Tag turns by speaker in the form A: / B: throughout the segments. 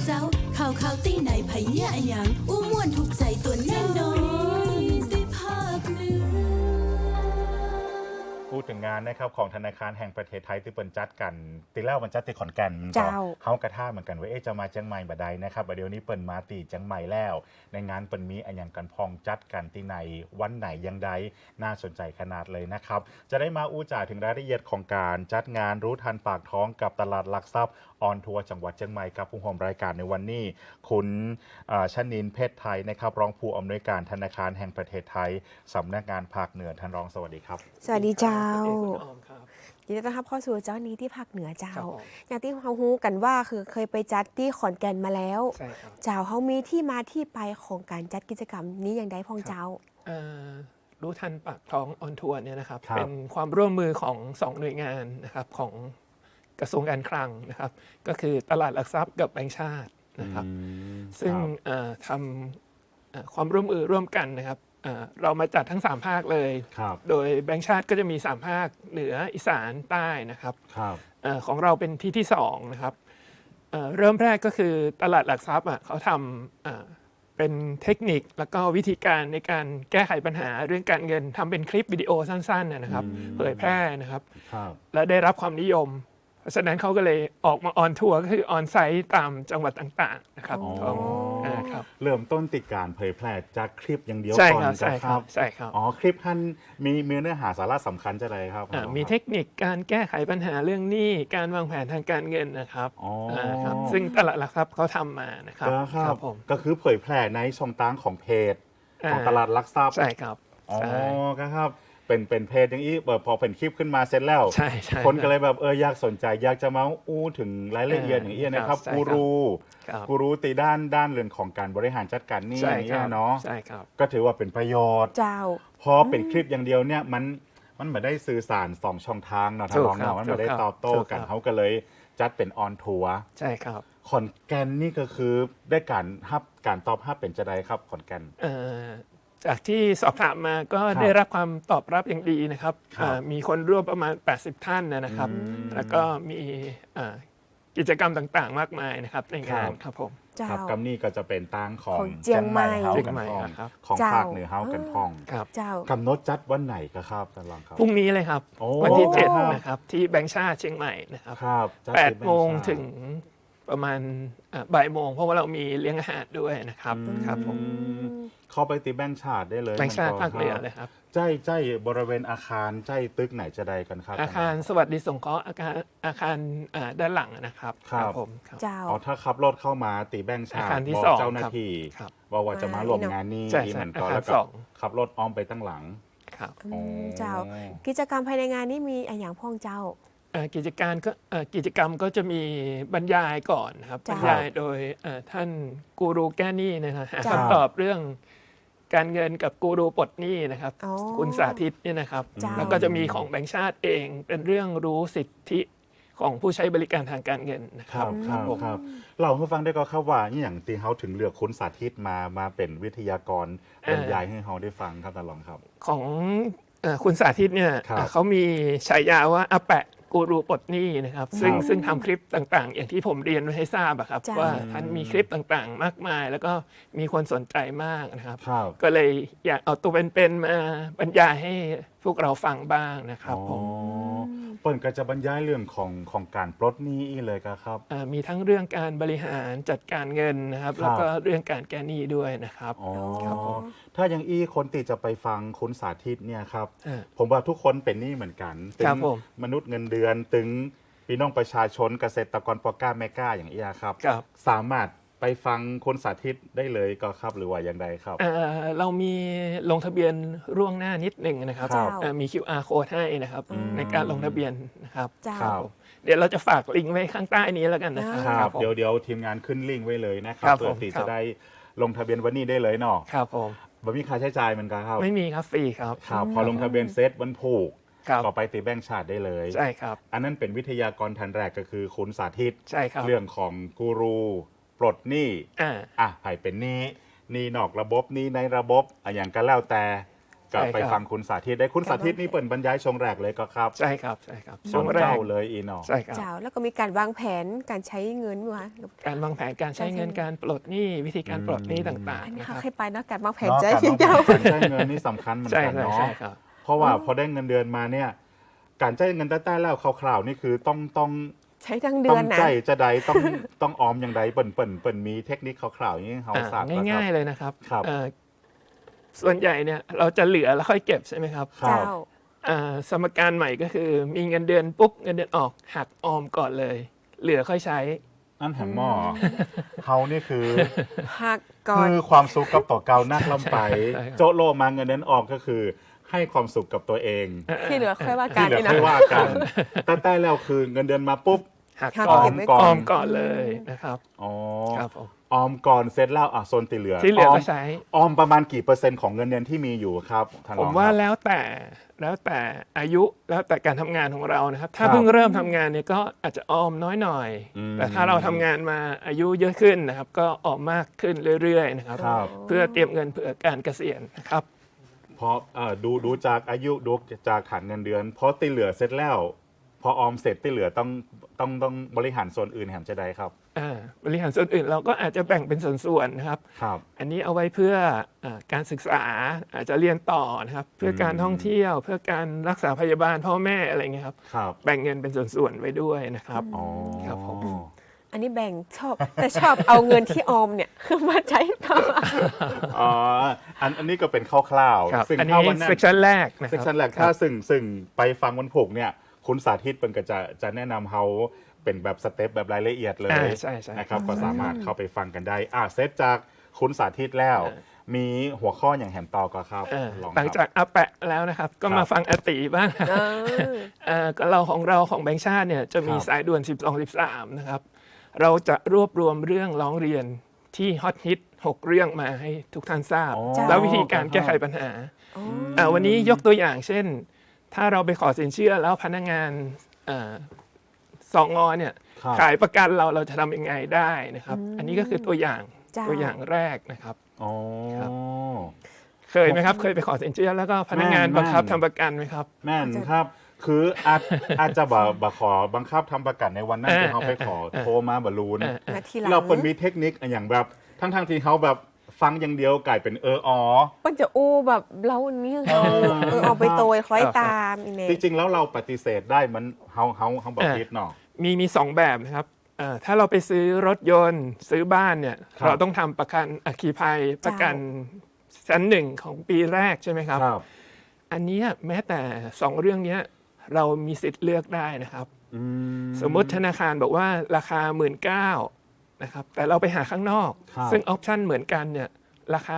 A: เจ้าข่าวตีไหนไผเนี่ยอะหยังอู้ม่วนถูกใจตัวแน่นอนได้ภาคเหนือ
B: พูดถึงงานนะครับของธนาคารแห่งประเทศไทยที่เปิดจัดกันตีแล้วมันจัดที่ขอนแก่นเฮากระท่าเหมือนกันว่าจะมาเชียงใหม่บ่ได้นะครับเดี๋ยวนี้เปิดมาตีเชียงใหม่แล้วในงานเปิดมีอันยังกันพองจัดกันที่ไหนวันไหนยังใดน่าสนใจขนาดเลยนะครับจะได้มาอู้จ่าถึงรายละเอียดของการจัดงานรู้ทันปากท้องกับตลาดหลักทรัพย์ออนทัวร์จังหวัดเชียงใหม่กับผู้ร่วมรายการในวันนี้คุณชนินทร์เพชรไทยนะครับรองผู้อำนวยการธนาคารแห่งประเทศไทยสำนักงานภาคเหนือท่านรองสวัสดีครับ
C: สวัสดีเจ้า
D: ยินดีต้อนรับ
C: เข้าสู่เจ้านี้ที่ภาคเหนือเจ้าอย่างที่เราฮู้กันว่าคือเคยไปจัดที่ขอนแก่นมาแล้วเจ้าเขามีที่มาที่ไปของการจัดกิจกรรมนี้อย่างใดพองเจ้า
D: รู้ทันปากท้องออนทัวร์เนี่ยนะครับเป็นความร่วมมือของ2หน่วยงานนะครับของกระทรวงการคลังนะครับก็คือตลาดหลักทรัพย์กับแบงก์ชาตินะครับซึ่งทำความร่วมมือร่วมกันนะครับเรามาจัดทั้ง3ภาคเลยโดยแบงก์ชาติก็จะมี3ภาคเหนืออีสานใต้นะครับของเราเป็นที่2นะครับเริ่มแรกก็คือตลาดหลักทรัพย์เขาทำเป็นเทคนิคแล้วก็วิธีการในการแก้ไขปัญหาเรื่องการเงินทำเป็นคลิปวิดีโอสั้นๆนะครับเผยแพร่นะครับและได้รับความนิยมเพราะฉะนั้นเขาก็เลยออกมาออนทัวร์ก็คือออนไซต์ตามจังหวัดต่างๆนะครับ
B: เริ่มต้นติดการเผยแพร่จากคลิปอย่างเดียวก่อน
D: ใช่ครับใช่ครับ
B: คลิปท่านมีเนื้อหาสาระสำคัญจะอะไรครับ
D: มีเทคนิคการแก้ไขปัญหาเรื่องหนี้การวางแผนทางการเงินนะครับซึ่งตลาดหลักทรัพย์เขาทำมานะครับ
B: ผมก็คือเผยแพร่ในช่องทางของเพจของตลาดหลักทรัพย์
D: ใช่ครับ
B: ครับเป็นเพจอย่างนี้พอเป็นคลิปขึ้นมาเสร็จแล้วคนก็เลยแบบอยากสนใจอยากจะมาอู้ถึงรายละเอียดอย่างนี้นะครับกูรูตีด้านเรื่องของการบริหารจัดการนี่เนาะก็ถือว่าเป็นประโยชน์พอเป็นคลิปอย่างเดียวเนี่ยมันไม่ได้สื่อสาร2ช่องทางเนาะทางรองเนาะมันไม่ได้ตอบโต้กันเขาก็เลยจัดเป็นออนทัวร์
D: ใช่ครับ
B: ขอนแก่นนี่ก็คือได้การตอบรับเป็นจะได้ครับขอนแก่น
D: จากที่สอบถามมาก็ได้รับความตอบรับอย่างดีนะครับมีคนร่วมประมาณ80ท่านนะครับแล้วก็มีกิจกรรมต่างๆมากมายนะครับในงานครับผม
B: ครับกัมนี่ก็จะเป็นตั้งของ
C: เจียงใหม่
B: ของภาคเหนือเฮากันพ่องกำหนดจัดวันไหนครับท่านรองครับ
D: พรุ่งนี้เลยครับวันที่7นะครับที่แบงก์ชาติเชียงใหม่นะครับ8 โมงถึงประมาณบ่ายโมงเพราะว่าเรามีเลี้ยงอาหารด้วยนะครับครับผม
B: เข้าไปตีแบงก์ชาติได้เลย
D: แบงก์ชาติภาคเหนือเลยครับ
B: ใจบริเวณอาคารใจตึกไหนจะได้กันครับ
D: อาคารสวัสดิสงเคราะห์อาคารด้านหลังนะครับ
B: ครับผมถ้าขับรถเข้ามาตีแบงก์ชาติ
D: บอก
B: เจ้าหน้าที่ว่าจะมาร่วมงานนี้เหมือนกันแล้วก็ขับรถอ้อมไปตั้งหลัง
D: ครับ
C: เจ้ากิจกรรมภายในงานนี้มีอย่างพ่องเจ้า
D: กิจกรรมก็จะมีบรรยายก่อนครับบรรยายโดยท่านกูรูแก้หนี้นะครับหาคำตอบเรื่องการเงินกับกูรูปลดหนี้นะครับคุณสาธิตเนี่ยนะครับแล้วก็จะมีของแบงก์ชาติเองเป็นเรื่องรู้สิทธิของผู้ใช้บริการทางการเงินนะครับ
B: เราให้ฟังได้ก็ครับว่าอย่างที่เขาถึงเลือกคุณสาธิตมาเป็นวิทยากรบรรยายให้เขาได้ฟังครับท่านรองครับ
D: ของคุณสาธิตเนี่ยเขามีฉายาว่าอาแปะกูรูปลดหนี้นะครับซึ่งทำคลิปต่างๆอย่างที่ผมเรียนไว้ให้ทราบครับว่าท่านมีคลิปต่างๆมากมายแล้วก็มีคนสนใจมากนะครับก็เลยอยากเอาตัวเป็นๆมาบรรยายให้พวกเราฟังบ้างนะครับผม
B: เปิ่นก็จะบรรยายเรื่องของการปลดหนี้เลยครับ
D: มีทั้งเรื่องการบริหารจัดการเงินนะครับแล้วก็เรื่องการแก้หนี้ด้วยนะครับ
B: ถ้ายังคนติจะไปฟังคุณสาธิตเนี่ยครับผมว่าทุกคนเป็นหนี้เหมือนกันถึงมนุษย์เงินเดือนถึงพี่น้องประชาชนเกษตรกรปอก้าแม่ก้าอย่างครับสามารถไปฟังคุณสาธิตได้เลยก็ครับหรือว่าอย่างไรครับ
D: เรามีลงทะเบียนล่วงหน้านิดหนึ่งนะครับมี QR code ให้นะครับในการลงทะเบียนนะครับเดี๋ยวเราจะฝากลิงก์ไว้ข้างใต้นี้แล้วกันนะครับ
B: เดี๋ยวทีมงานขึ้นลิงก์ไว้เลยนะครับเพื่อที่จะได้ลงทะเบียนวันนี้ได้เลยเนาะ
D: ครับผม
B: บ่มีค่าใช้จ่ายเหมือนกันครับ
D: ไม่มีครับฟรีครับ
B: พอลงทะเบียนเซตวันผูกก็ไปตีแบงก์ชาติได้เลย
D: ใช่ครับ
B: อันนั้นเป็นวิทยากรท่านแรกก็คือคุณสาธิต
D: ใช่ครับ
B: เรื่องของกูรูปลดหนี้ไผ่เป็นหนี้นอกระบบหนี้ในระบบอย่างก็แล้วแต่ก็
D: ใช่ครับ
B: ไปฟังคุณสาธิตได้คุณสาธิตนี่เปิดบรรยายชงแรกเลยก็ครับ
D: ใช่ครับใช่ครับ
B: ช
D: ช่ว
B: ง
D: งแร
B: เจ้าก เลยอีเนาะ
D: ใช่ครับ
C: เจ้าแล้วก็มีการวางแผนการใช้เงินวะ
D: การวางแผนการใช้เงินการปลดหนี้วิธีการปลดหนี้ต่าง
C: อัน
D: ๆ
C: นี้
D: นะค
C: เขา
D: รับ
C: เคยไปเนาะการวางแผน
B: เนาะ
C: ใจ
B: การ
C: พี่
B: วางแผ
C: เจ้า
B: นการใช้เงินนี่สำคัญเหมือน
D: ใช่
B: กัน
D: ใช่
B: เนาะ
D: ใช่ครับ
B: เพราะว่าพอได้เงินเดือนมาเนี่ยการใช้เงินแต่ๆแล้วคร่าวๆนี่คือต้อง
C: ใช้ทั้งเดื
B: ต้
C: อ
B: อน ง
C: นะ
B: ใจจะใดต้องออมอย่างใดเปิ่นมีเทคนิคคร่าวๆอย่างนี้เขาทราบ
D: ง่ายๆเลยนะครับ
B: ครับ
D: ส่วนใหญ่เนี่ยเราจะเหลือแล้วค่อยเก็บใช่ไหมครับ
B: ครั
C: เจ้า
B: บ
D: สมการใหม่ก็คือมีเงินเดือนปุ๊บเงินเดือนออกหักออมก่อนเลย เหลือค่อยใช้
B: อันแหมหม้อเขานี่คือ
C: หักก่อน
B: คือความสุขกับตัวเก่านักลำไป
D: ใช่ครับ
B: โจโลมาเงินเดือนออกก็คือ ให้ความสุขกับตัวเอง
C: ที่เหลือค่อยว่ากั
B: ที่
C: น
B: เหลือ
C: นี่นะ
B: ค่อยว่ากันแต่แล้วคือเงินเดือนมาปุ๊บ
D: หัก
C: หัก
D: ก่อน
C: เก็บไว้
B: ก่
D: อ
B: อน
D: อมก่อนเลยนะครับ
B: อ๋อ
D: ครับผม
B: ออมก่อนเสร็จแล้วโซนติเหลือ
D: ที่เหลือก็ใช้
B: ออมประมาณกี่เปอร์เซ็นต์ของเงินเดือนที่มีอยู่ครับท่านร
D: ผ
B: อง
D: ม
B: ครับ
D: ว่าแล้วแต่อายุแล้วแต่การทำงานของเรานะครับ ถ้า
B: ครับ
D: เพิ่งเริ่มทำงานเนี่ยก็อาจจะออมน้อยหน่อย
B: อืม
D: แต่ถ้าเราทำงานมาอายุเยอะขึ้นนะครับ ก็ออมมากขึ้นเรื่อยๆนะครับ
B: ครับ
D: เพื่อเตรียมเงินเผื่อการเกษียณนะครับ
B: พอดูจากอายุดูจากฐานเงินเดือนพอติเหลือเสร็จแล้ว พอออมเสร็จติเหลือต้องบริหารส่วนอื่นแหมจะได้ครับ
D: บริหารส่วนอื่นเราก็อาจจะแบ่งเป็นส่วนๆนะครับ
B: ครับ
D: อันนี้เอาไว้เพื่อการศึกษาอาจจะเรียนต่อนะครับ เพื่อการท่องเที่ยว เพื่อการรักษาพยาบาลพ่อแม่อะไรเงี้ยครับ
B: ครับ
D: แบ่งเงินเป็นส่วนๆไว้ด้วยนะครับ
B: อ๋อ
D: ครับผม
C: อันนี้แบ่งชอบ แต่ชอบเอาเงินที่ออมเนี่ย มาใช้ต่อ
B: อ๋ออันนี้ก็เป็นคร่าว
D: ครับ
B: ๆซึ่ง
D: อันนี้
B: ถ้าวันนั้น
D: เซกชันแรกนะค
B: เซ
D: รั
B: ก
D: บ
B: ชันแรก
D: ครั
B: ถ้า
D: บ
B: ซึ่งไปฟังวันผูกเนี่ยคุณสาธิตเป็นก็จะแนะนำเขาเป็นแบบสเต็ปแบบรายละเอียดเลย
D: ใช่ใช่
B: นะครับก็สามารถเข้าไปฟังกันได้เซตจากคุณสาธิตแล้ว มีหัวข้ออย่างแหมต่อก็ครับลอง
D: หลัง
B: ค
D: จา
B: รับ
D: กอาแปะแล้วนะครับ ก็
B: ครั
D: มา
B: บ
D: ฟังอาติบ้าง ก็เราของแบงค์ชาติเนี่ยจะมี
B: ครับ
D: สายด่วน 12-13 นะครับ เราจะรวบรวมเรื่องร้องเรียนที่ฮอตฮิต 6 เรื่องมาให้ทุกท่านทราบ
B: อ๋อ
D: แล้ววิธีการแก้ไขปัญหา วันนี้ยกตัวอย่างเช่น ถ้าเราไปขอสินเชื่อแล้วพนักงานสองงเนี่ย
B: ครับ
D: ขายประกันเราจะทำยังไงได้นะครับ อันนี้ก็คือตัวอย่าง
C: จ้า
D: ตัวอย่างแรกนะครับ
B: อ๋อ
D: ครับ เคยไหมครับ เคยไปขอสินเชื่อแล้วก็พนักงาน
B: แม่น
D: บังคับทำประกันไหมครับ
B: แม่นครับ คืออาจจะบขอบังคับทำประกันในวันนั้นที่เขาไปขอโทรมาบอลูน
C: นาทีหลัง
B: เราเป็นมีเทคนิคอย่างแบบทั้งที่เขาแบบฟังอย่างเดียวกลายเป็นอ๋อ
C: มันจะอู้แบบเรานี่เอาไปโตยคล้อยตามอีเน่
B: จริงๆ แล้วเราปฏิเสธได้มันเขาบอกคิดเนาะ
D: มีสองแบบนะครับถ้าเราไปซื้อรถยนต์ซื้อบ้านเนี่ย
B: ครับ
D: เราต้องทำประกันอัคคีภัยประกันชั้นหนึ่งของปีแรกใช่ไหมครับ
B: ครับ
D: อันเนี้ยแม้แต่2เรื่องเนี้ยเรามีสิทธิ์เลือกได้นะครับ
B: อืม
D: สมมุติธนาคารบอกว่าราคา 19,000นะครับแต่เราไปหาข้างนอก
B: ครับ
D: ซึ่งออปชันเหมือนกันเนี่ยราคา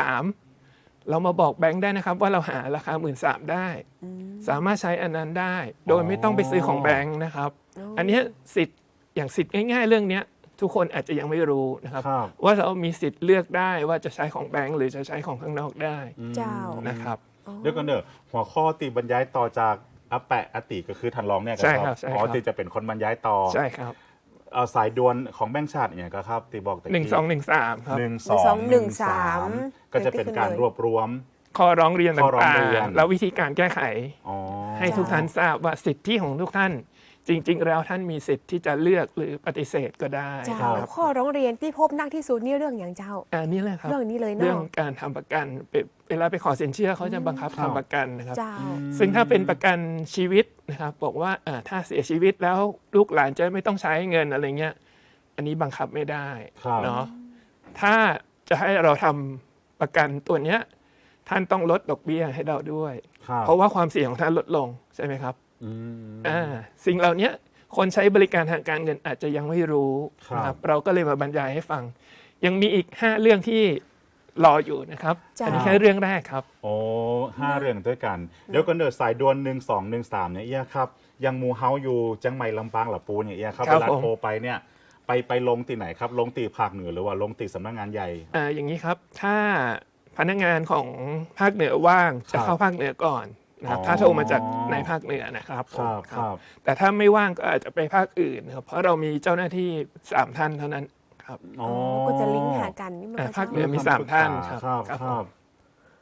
D: 13,000เรามาบอกแบงค์ได้นะครับว่าเราหาราคา 13,000ได้ สามารถใช้อันนั้นได้ โดยไม่ต้องไปซื้อของแบงค์นะครับ อันเนี้ยสิทธิ์อย่างสิทธิ์ง่ายๆ เรื่องเนี้ยทุกคนอาจจะยังไม่รู้นะครับ
B: ครับ
D: ว่าเรามีสิทธิ์เลือกได้ว่าจะใช้ของแบงค์หรือจะใช้ของข้างนอกได้
C: เจ้า
D: นะครับ
B: เดี๋ยวกันเด้อหัวข้อตีบรรยายต่อจากอาแปะอติก็คือทันรองเนี่ย
D: ใช่ครับใช่ครับ
B: อ๋อตีจะเป็นคนบรรยายต่อ
D: ใช่ครับ
B: สายด่วนของแบงค์ชาติเนี่ยก็ครับตีบอกแต่
D: 1213ครับ
B: 1213ก็จะเป็นการรวบรวม
D: ข้อร้องเรียน
B: ข้อร้อ
D: ต่าง
B: เรียน
D: ๆแล้ววิธีการแก้ไข
B: อ๋อ
D: ให้ทุกท่านทราบว่าสิทธิของทุกท่าน จริง ๆ แล้วท่านมีสิทธิ์ที่จะเลือกหรือปฏิเสธก็ได้
C: เจ้า
D: ครับ
C: ข้อร้องเรียนที่พบนักที่สุดนี่เรื่องอย่างเจ้า
D: อันนี้เลยครับ
C: เรื่องนี้เลย
D: เรื่อง
C: เนาะ
D: การทำประกันเวลาไปขอสินเชื่อเขาจะบังคับทำประกันนะครับ
C: เจ้า
D: ซึ่งถ้าเป็นประกันชีวิตนะครับบอกว่าถ้าเสียชีวิตแล้วลูกหลานจะไม่ต้องใช้เงินอะไรเงี้ยอันนี้บังคับไม่ได้
B: ครับ
D: เนาะถ้าจะให้เราทำประกันตัวเนี้ยท่านต้องลดดอกเบี้ยให้เราด้วย
B: ครับ
D: เพราะว่าความเสี่ยงของท่านลดลงใช่ไหมครับ
B: อืม
D: สิ่งเหล่านี้คนใช้บริการทางการเงินอาจจะยังไม่รู้
B: ครับ
D: นะครับเราก็เลยมาบรรยายให้ฟัง ยังมีอีก 5 เรื่องที่รออยู่นะครับ
C: จ้า
D: อันนี้แค่เรื่องแรกครับ
B: โอ้5 เรื่องด้วยกัน เดี๋ยวกันเด้อสายด่วน1213เนี่ยเอียครับยังหมูเฮาอยู่จังใหม่ลำปางหลับปูเนี่ยเอียครับ
D: ครั
B: เว
D: บ
B: ลา
D: ผม
B: โทรไปเนี่ยไปลงตีไหนครับลงตีภาคเหนือหรือว่าลงตีสำนักงานใหญ่
D: อย่างนี้ครับถ้าพนักงานของภาคเหนือว่างจะเข้าภาคเหนือก่อนนะครับ
B: อ๋อ
D: ถ้าโทรมาจากในภาคเหนือนะครับ
B: ครับ
D: ผม
B: ครับ
D: แต่ถ้าไม่ว่างก็อาจจะไปภาคอื่นครับเพราะเรามีเจ้าหน้าที่3ท่านเท่านั้นครับ
B: อ๋อ
C: ก็จะลิงก์หากันนี่มันก็
D: ภาคเหนือ
C: จะ
D: มี3ท่านครับ
B: ครับ
D: ครับ
B: ครับ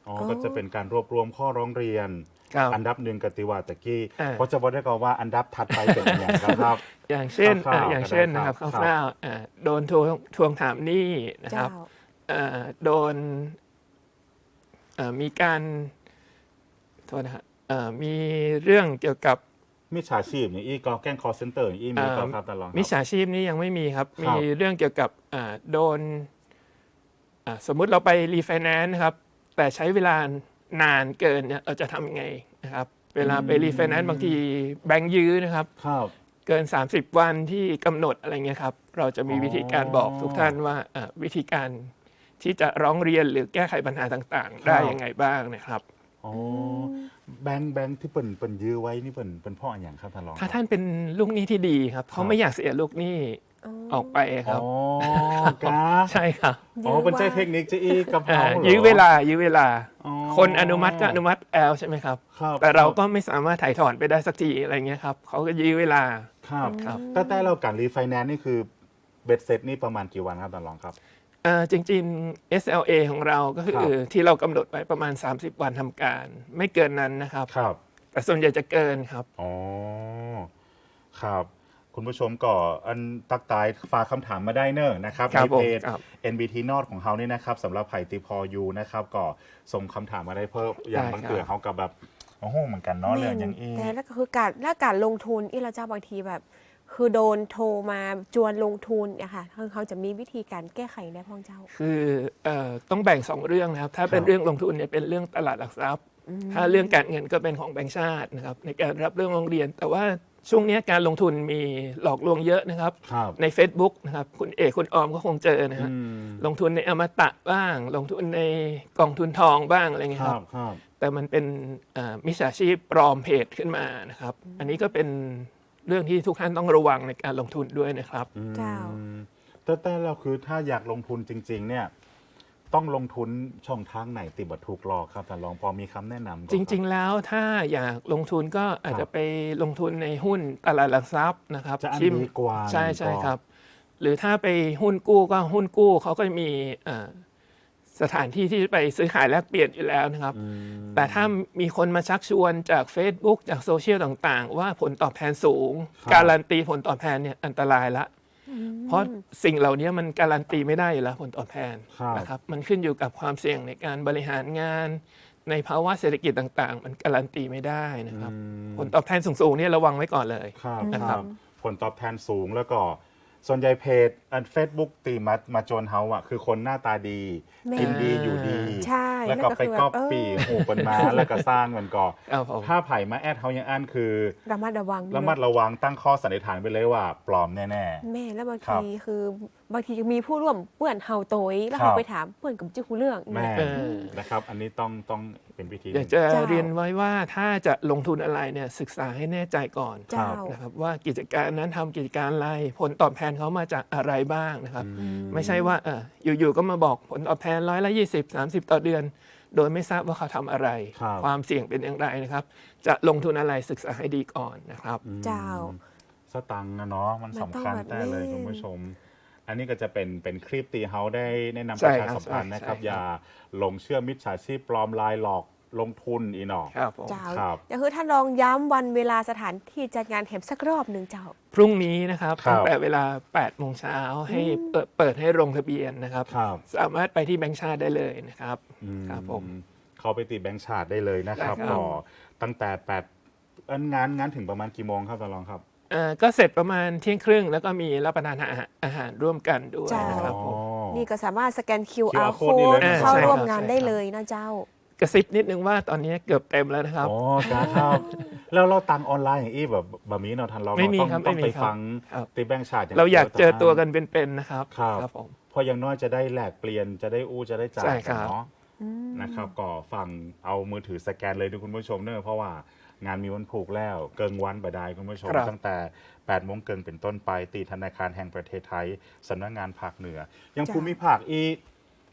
B: อ๋อก็จะเป็นการรวบรวมข้อร้องเรียน
D: ครับ
B: อันดับหนึ่งกติวาตะกี้
D: อ่า
B: เพราะจะบอกได้ก่อนว่าอันดับถัดไปเป็นอย่างไรครับ
D: อย่างเช่น
B: คร่าวๆ
D: อย่างเช่น
B: ก็ได้
D: นะครับ
B: ครับ
D: คร่าวๆโดนทวงถามหนี้นะครับ
C: เจ้า
D: โดนมีการโทษนะฮะมีเรื่องเกี่ยวกับ
B: มิจฉาชีพอย่างอีก็แกล้ง call center อย่างอีมีก็ครับตลอดครับ
D: มิจฉาชีพนี่ยังไม่มีครับ
B: ครับ
D: มีเรื่องเกี่ยวกับโดนสมมุติเราไปรีไฟแนนซ์นะครับ แต่ใช้เวลานานเกินเนี่ยเราจะทำยังไงนะครับ เวลาไปรีไฟแนนซ์บางทีแบงค์ยื้อนะครับ
B: ครับ
D: เกิน 30 วันที่กำหนดอะไรเงี้ยครับ เราจะมีวิธีการบอกทุกท่านว่าวิธีการที่จะร้องเรียนหรือแก้ไขปัญหาต่างๆ ได้ยังไงบ้างนะครับ
B: อ๋อแบงค์ที่เปิ่นยื้อไว้นี่เปิ่นพ่ออย่างครับท่านรอง
D: ถ้าท่านเป็นลูกหนี้ที่ดีครับ เขาไม่อยากเสียลูกหนี้ออกไปครับ
B: อ๋อกา
D: ใช่ครับ
B: อ๋อเป็นใจเทคนิคจะอีกับเขาเหรอ
D: ยื้อเวลา
B: อ๋อ
D: คนอนุมัติก็อนุมัติแล้วใช่ไหมครับ
B: ครับ
D: แต่เราก็ไม่สามารถถ่ายถอนไปได้สักทีอะไรเงี้ยครับเขาก็ยื้อเวลา
B: ครับ
D: ครับ
B: แต่เราการรีไฟแนนซ์นี่คือเบ็ดเสร็จนี่ประมาณกี่วันครับท่านรองครับ
D: จริงๆ SLA ของเราก็คือที่เรากำหนดไว้ประมาณ 30 วันทำการ ไม่เกินนั้นนะครับ
B: ครับ
D: แต่ส่วนใหญ่จะเกินครับ
B: อ๋อครับ คุณผู้ชมก็อันตักตายฝากคำถามมาได้เนอะนะครับ
D: ครั
B: ใน
D: บผม
B: เพจ
D: ครับ
B: NBT Nord ของเขานี่นะครับสำหรับไผ่ติพอยูนะครับก็ส่งคำถามมาได้เพิ่มอย่างบางเตือเขากับแบบโอ้โหเหมือนกันเนาะเรื่องอย่างอี
C: แต่แล้วก็คือการลงทุนเราเจ้าบางทีแบบ คือโดนโทรมาจวนลงทุนเนี่ยค่ะเขาจะมีวิธีการแก้ไขได้พ่องเจ้า
D: คือต้องแบ่ง 2 เรื่องนะครับ ถ้าเป็น
B: ครับ
D: เรื่องลงทุนเนี่ยเป็นเรื่องตลาดหลักทรัพย์ ถ้าเรื่องการเงินก็เป็นของแบงก์ชาตินะครับในการรับเรื่องร้องเรียน แต่ว่าช่วงนี้การลงทุนมีหลอกลวงเยอะนะครับ
B: ครับ
D: ใน Facebook นะครับคุณเอกคุณออมก็คงเจอนะฮะ
B: อืม
D: ลงทุนในอมตะบ้าง ลงทุนในกองทุนทองบ้างอะไรเงี้ย
B: ค
D: ค
B: รั
D: รั
B: บบ ครับ
D: แต่มันเป็นมิจฉาชีพปลอมเพจขึ้นมานะครับ อันนี้ก็เป็นเรื่องที่ทุกท่านต้องระวังในการลงทุนด้วยนะครับ
C: เจ้า
B: แต่เราคือถ้าอยากลงทุนจริง ๆ เนี่ยต้องลงทุนช่องทางไหนติดบัตรถูกหลอกครับแต่ลองพอมีคำแนะนำ
D: จริง ๆ แล้วถ้าอยากลงทุนก็อาจจะไปลงทุนในหุ้นตลาดหลักทรัพย์นะครับ
B: จะอัน
D: ที่
B: ดีกว่า
D: ใช่
B: ก็
D: ครับ หรือถ้าไปหุ้นกู้ก็หุ้นกู้เขาก็มีสถานที่ที่ไปซื้อขายแลกเปลี่ยนอยู่แล้วนะครับ แต่ถ้ามีคนมาชักชวนจาก Facebook จากโซเชียลต่างๆ ว่าผลตอบแทนสูง การันตีผลตอบแทนเนี่ยอันตรายละ เพราะสิ่งเหล่านี้มันการันตีไม่ได้อยู่แล้วผลตอบแทน
B: ครับ
D: นะครับมันขึ้นอยู่กับความเสี่ยงในการบริหารงาน ในภาวะเศรษฐกิจต่างๆ มันการันตีไม่ได้นะครับ ผลตอบแทนสูงๆเนี่ยระวังไว้ก่อนเลย
B: ครับ
D: นะค
B: ค
D: รั
B: รับ บผลตอบแทนสูงแล้วก็ส่วนใหญ่เพจอันเฟซบุ๊กตีมาโจนเฮาอ่ะคือคนหน้าตาดี
C: แม่
B: กินดีอยู่ดี
C: ใช่
B: แล้วก็ไป
C: แล้วก็คือ
B: ก๊อป
C: แบบ
B: ปี้หูคนมาแล้วก็สร้างมันก็
D: ครับผม
B: ถ้าไผ่มาแอดเฮายังอันคือ
C: ระมัดระวัง
B: ระมัดระวังตั้งข้อสันนิษฐานไปเลยว่าปลอมแน่
C: แม่แล้วบาง
B: ครั
C: ที
B: บ
C: คือบางทีมีผู้ร่วมเปื่อนเฮาโตยแล้ว
B: ครับ
C: เขาไปถามเปื่อนกับจิ้วเรื่อง
B: ๆแม่
C: เนี่ย
B: นะครับ อันนี้ต้องเป็นวิธีห
D: อยาก
B: นึ่ง
D: จะ
C: เจ้า
D: เรียนไว้ว่าถ้าจะลงทุนอะไรเนี่ยศึกษาให้แน่ใจก่อน
C: เจ้า
D: นะครับว่ากิจการนั้นทำกิจการอะไรผลตอบแทนเขามาจากอะไรบ้างนะครับ ไม่ใช่ว่าอยู่ๆก็มาบอกผลตอบแทน120-30 ต่อเดือน โดยไม่ทราบว่าเขาทำอะไร
B: ครับ
D: ความเสี่ยงเป็นอย่างไรนะครับ จะลงทุนอะไรศึกษาให้ดีก่อนนะครับ
C: เจ้า
B: สตังค์นะเนาะมันสำคัญ
C: มันต้องแบบ
B: แต่เลย
C: นี้
B: คุณผู้ชม อันนี้ก็จะเป็นคลิปตีเฮาได้แนะนำป
D: ใช่
B: ระชา
D: ครับ
B: สัมพันธ์นะครับ
D: ใช่
B: อย่าหลงเชื่อมิจฉาชีพปลอมลายหลอกลงทุนอีหนอ
D: ครับผม
C: เจ้า
B: ครับ
C: ก็คือท่านลองย้ำวันเวลาสถานที่จัดงานแถมสักรอบหนึ่งเจ้า
D: พรุ่งนี้นะครับ
B: ครับ
D: ตั้งแต่เวลา 8 โมงเช้าให้เปิดให้ลงทะเบียนนะครับ
B: ครับ
D: สามารถไปที่แบงก์ชาติได้เลยนะครับ ครับผม
B: เข้าไปตีแบงค์ชาติได้เลยนะครับ
D: ได้ครับ
B: ก็ตั้งแต่งานถึงประมาณกี่โมงครับตาลองครับ
D: ก็เสร็จประมาณเที่ยงครึ่งแล้วก็มีรับประทานอาหารร่วมกันด้วย
C: เจ้า
D: นะครับผม
C: นี่ก็สามารถสแกน
B: QR
C: QR
B: code นี่เลย
C: code
B: นะ
C: เข้าร่วม
D: ใช่ครับ
C: งานได้เลยนะเจ้า
D: กระซิบนิดนึงว่าตอนนี้เกือบเต็มแล้วนะครับ
B: อ๋อครับ แล้วเราตังออนไลน์อย่างอี้แบบนี้เนาะทันเรา
D: ไม่มี
B: ต้อง
D: ครับ
B: ต้อง
D: ไม่
B: ไป
D: มีครับ
B: ฟัง
D: ครับ
B: ตีแบงค์ชาติ
D: เราอยากเจอตัวกันเป็นๆนะครับ
B: ครับ
D: ผม
B: เพราะอย่างน้อยจะได้แลกเปลี่ยนจะได้จะได้จ่า
D: ใช่
B: ย
D: ครั
B: กัน
D: บ
B: เนาะนะครับก็ฟังเอามือถือสแกนเลยดูคุณผู้ชมเนอะเพราะว่างานมีวันผูกแล้วเกิงวันบดายคุณผู้ชม
D: ครับ
B: ตั้งแต่8 โมงเกินเป็นต้นไปตีธนาคารแห่งประเทศไทยสำนักงานภาคเหนือ ยัง
C: จ้ะ
B: ภูมิภาคอีก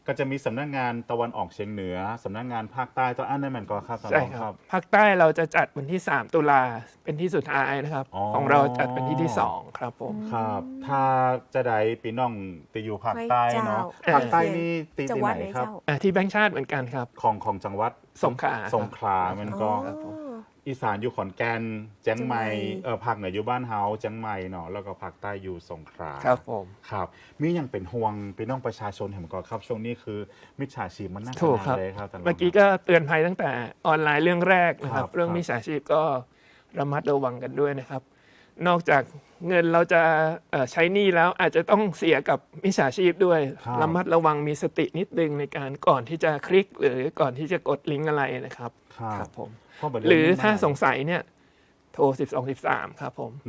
B: ก็จะมีสำนักงานตะวันออกเฉียงเหนือสำนักงานภาคใต้ตอนอันนั้นมันก็ครับ
D: ใช่ครับภาคใต้เราจะจัดวันที่ 3 ตุลาเป็นที่สุดท้ายนะครับของเราจัดเป็นที่ 2ครับผม
B: ครับถ้าจะได้ปีน้องตีอยู่ภาคใต้เนาะภาคใต้นี่ตีที่ไหนครับ
D: ที่แบงค์ชาติเหมือนกันครับ
B: ของจังหวัดสงขลามันก็อีสานอยู่ขอนแก่นเจียงใหม่ภาคเหนืออยู่บ้านเฮาเจียงใหม่เนาะแล้วก็ภาคใต้อยู่สงขลา
D: ครับผม
B: ครับมียังเป็นห่วงพี่น้องประชาชนเห็นก่อนครับช่วงนี้คือมิจฉาชีพมันน่า
D: ถูกครับ
B: เลยครับ
D: เมื่อกี้ก็เตือนภัยตั้งแต่ออนไลน์เรื่องแรกนะครับเรื่องมิจฉาชีพก็ระมัดระวังกันด้วยนะครับนอกจากเงินเราจะใช้หนี้แล้วอาจจะต้องเสียกับมิจฉาชีพด้วยระมัดระวังมีสตินิดนึงในการก่อนที่จะคลิกหรือก่อนที่จะกดลิงก์อะไรนะครับครับผมหรือถ้าสงสัยเนี่ยโทร1213ครับผม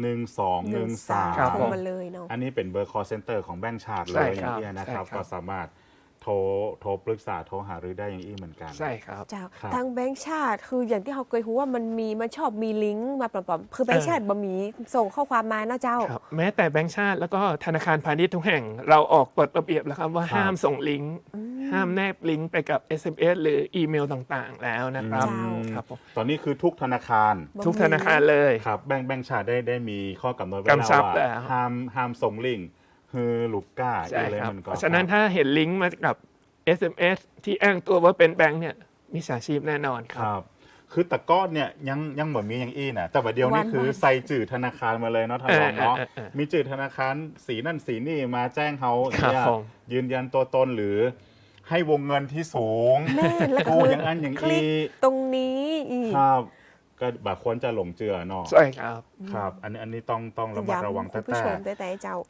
B: 1213
C: ครับผมมาเลยเนาะ
B: อันนี้เป็นเบอร์ call center ของแบงก์ชาติเลยอย่างนี้นะครับก็สามารถโทรปรึกษาโทรหารือได้อย่างนี้เหมือนกัน
D: ใช่ครับ
C: เจ้าทางแบงก์ชาติคืออย่างที่เขาเคยรู้ว่ามันชอบมีลิงก์มาปลอมๆคือแบงก์ชาติบ่มีส่งข้อความมาเนาะเจ้า
D: แม้แต่แบงก์ชาติแล้วก็ธนาคารพาณิชย์ทุกแห่งเราออกกฎระเบียบแล้วครับว่าห้ามส่งลิงก์ห้ามแนบลิงก์ไปกับ SMS หรืออีเมลต่างๆแล้วนะครับครับ
B: ตอนนี้คือทุกธนาคาร
D: เลย
B: ครับแบงก์ชาติได้มีข้อกำหนดไว้แล้วว่าห้ามส่งลิงก์คือลูกก้าอะไรมันก็
D: เพราะฉะนั้นถ้าเห็นลิงก์มากับ SMS ที่อ้างตัวว่าเป็นแบงค์เนี่ยมิจฉาชีพแน่นอนครับ
B: คือตะก้อนเนี่ยยังเหมือนมีอย่างอี้นะแต่ว่าเดียวนี่คือใส่จื่อธนาคารมาเลยเนาะท่านรองเนาะมีจื่อธนาคารสีนั่นสีนี่มาแจ้งเขาเนี่ยยืนยันตัวตนหรือให้วงเงินที่สูงกูอย่างนั้นอย่างอี้
C: ตรงนี้
B: ครับก็แบบควรจะหลงเจือเนาะ
D: ใช่ครับ
B: ครับอันนี้ต้องระมัดระวังแต่
C: เจ้า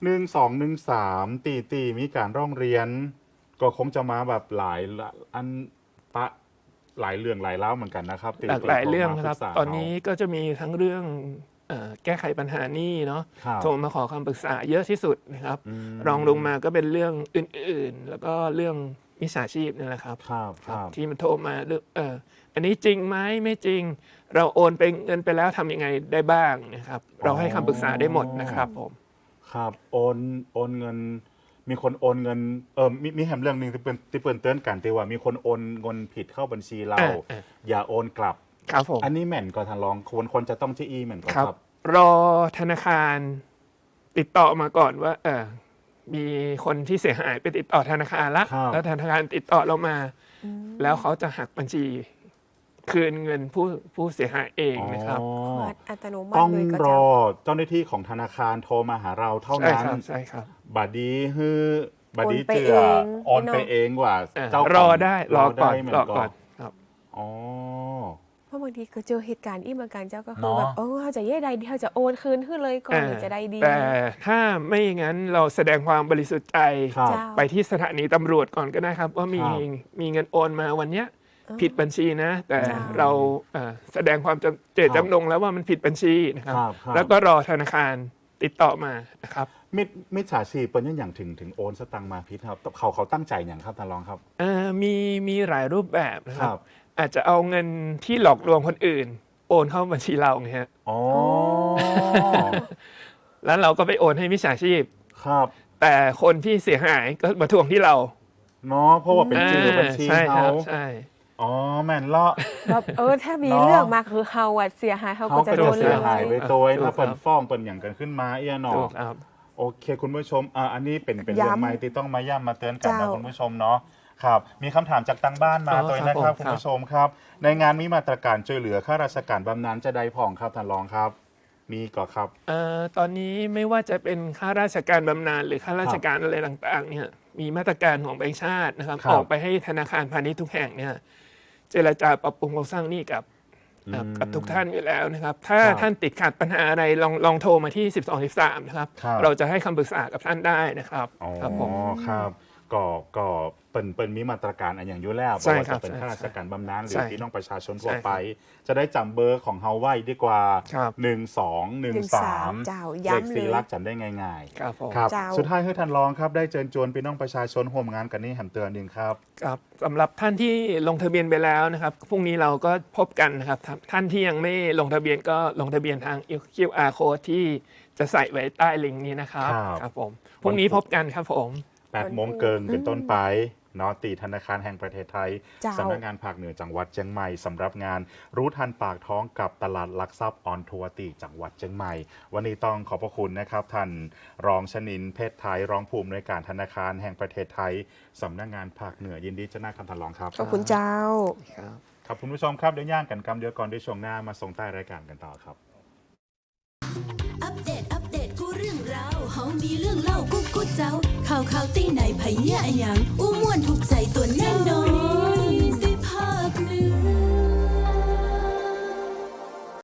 B: 1213ตีมีการร้องเรียนก็คงจะมาแบบหลายอันหลายเรื่องหลายเล่าเหมือนกันนะครับ
D: หลายเรื่องครับตอนนี้ก็จะมีทั้งเรื่องแก้ไขปัญหานี้เนาะโทรมาขอคำปรึกษาเยอะที่สุดนะครับรองลงมาก็เป็นเรื่องอื่นๆแล้วก็เรื่องมิจฉาชีพนี่แหละครับที่มันโทรมาอันนี้จริงไหมไม่จริงเราโอนไปเงินไปแล้วทำยังไงได้บ้างนะครับเราให้คำปรึกษาได้หมดนะครับผม
B: ครับโอนเงินมีคนโอนเงินมีแหมเรื่องนึงที่เปิดเตือนกันที่ว่ามีคนโอนเงินผิดเข้าบัญชีเราอย่าโอนกลับ
D: ครับผม
B: อันนี้แม่นก็ทางรองคนจะต้องชี้แม่นก็ครับ
D: รอธนาคารติดต่อมาก่อนว่ามีคนที่เสียหายไปติดต่อธนาคารแล้วธนาคารติดต่อเรามาแล้วเขาจะหักบัญชีคืนเงินผู้เสียหายเองนะครับ
C: อัตโนมัติ
B: ต้องรอเจ้าหน้าที่ของธนาคารโทรมาหาเราเท่านั้น
D: ใช่ครับ
B: บัดดีเจือโอนไปเองว่า
D: เจ้ารอได้รอก่อนครับ
B: อ๋อ
C: เพราะบางทีก็เจอเหตุการณ์อีกเหมือนกันเจ้าก็คือแบบเขาจะแย่ใดเขาจะโอนคืนขึ้นเลยก่อนจะได้ดี
D: แต่ถ้าไม่อย่างนั้นเราแสดงความบริสุทธิ์ใจไปที่สถานีตำรวจก่อนก็ได้ครับว่ามีเงินโอนมาวันเนี้ยผิดบัญชีนะแต่เราแสดงความเจตจำนงแล้วว่ามันผิดบัญชีนะครับแล้วก็รอธนาคารติดต่อมานะครับ
B: มิจฉาชีพเป็นอย่างถึงโอนสตังค์มาผิดครับเขาตั้งใจอย่างครับท่านรองครับ
D: มีหลายรูปแบบนะครับอาจจะเอาเงินที่หลอกลวงคนอื่นโอนเข้าบัญชีเราไงฮะแล้วเราก็ไปโอนให้มิจฉาชีพ
B: ครับ
D: แต่คนที่เสียหายก็มาทวงที่เรา
B: เนาะเพราะว่าเป็นชื่อบัญชีเขา
D: ใช่
B: อ๋อแม่นเลาะ
C: แบบถ้ามีเรื่องมาคือเฮาเสียหายเขาก็จะโดน
B: เสียหายไปตัวถ้าเปิดฟ้องเปิดอย่างกันขึ้นมาเนาะโอเคคุณผู้ชมอันนี้เป็นเรื่องใหม่ที่ต้องมาย้ำมาเตือนกันนะคุณผู้ชมเนาะครับมีคำถามจากทางบ้านมาตัวนะครับคุณผู้ชมครับในงานมีมาตรการช่วยเหลือข้าราชการบำนาญจะได้ผ่องครับท่านรองครับมีก่อครับ
D: ตอนนี้ไม่ว่าจะเป็นข้าราชการบำนาญหรือข้าราชการอะไรต่างๆเนี่ยมีมาตรการของแบงก์ชาตินะครับออกไปให้ธนาคารพาณิชย์ทุกแห่งเนี่ยเจรจาปรับปรุงโครงสร้างหนี้กับทุกท่านอยู่แล้วนะครับถ้าท่านติดขัดปัญหาอะไรลองโทรมาที่1213นะครับเราจะให้คำปรึกษากับท่านได้นะครับ
B: ครับผมครับก็เป็นมีมาตรการอันอย่างอยู่แล้วเพราะว่าจะเป็นข้าราชการบำนาญหรือพี่น้องประชาชนทั่วไปจะได้จำเบอร์ของเฮาไว้ดีกว่า1213เลข4 หลักจำได้ง่าย
D: ๆ
B: ครับสุดท้ายให้ท่านรองครับได้เชิญชวนพี่น้องประชาชนร่วมงานกันนี้แหมเตือนนึงครับ
D: ครับสำหรับท่านที่ลงทะเบียนไปแล้วนะครับพรุ่งนี้เราก็พบกันนะครับท่านที่ยังไม่ลงทะเบียนก็ลงทะเบียนทาง QR code ที่จะใส่ไว้ใต้ลิงก์นี้นะครับครับผมพรุ่งนี้พบกันครับผม
B: 8 โมงเกินเป็นต้นไปนอตีธนาคารแห่งประเทศไทย
C: เจ้า
B: สำนักงานภาคเหนือจังหวัดเชียงใหม่สำหรับงานรู้ทันปากท้องกับตลาดหลักทรัพย์ออนทัวร์ตีจังหวัดเชียงใหม่วันนี้ต้องขอบพระคุณนะครับท่านรองชนินเพชรไทยรองผู้อำนวยการธนาคารแห่งประเทศไทยสำนักงานภาคเหนือยินดีจะน่าคำทันรองครับ
C: ขอบคุณเจ้า
D: ครับ
B: ครับคุณผู้ชมครับเดี๋ยวย่างกันกำเดียวก่อนด้วยช่วงหน้ามาส่งใต้รายการกันต่อครับ
A: อัปเดตกูเรื่องราวเฮามีเรื่องเล่ากูเจ้าข่าวตีไหนไผเนี่ยอะหยัง